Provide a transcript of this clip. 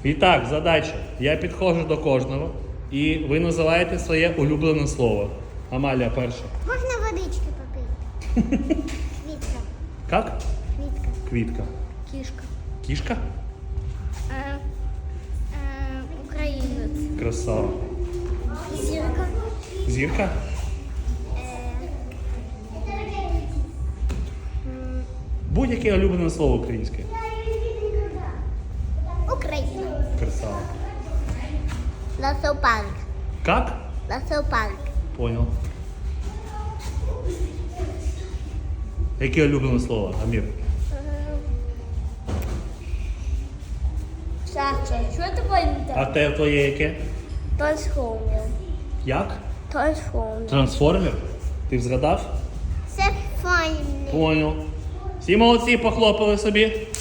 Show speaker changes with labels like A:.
A: І так, задача. Я підходжу до кожного і ви називаєте своє улюблене слово. Амалія перша.
B: Можна водички попити? Квітка.
A: Як?
B: Квітка.
A: Квітка.
B: Кішка.
A: Кішка?
B: Українець.
A: Красава.
B: Зірка.
A: Зірка? Будь-яке улюблене слово українське.
B: Україна.
A: Красава.
B: Лесопарк.
A: Как?
B: Лесопарк.
A: Понял. Яке улюблене слово, Амір?
B: Саша, що ти
A: А те твоє яке?
B: Трансформер.
A: Як?
B: Трансформер.
A: Трансформер? Ти згадав?
B: Це файний.
A: Понял. Всі молодці, похлопали собі.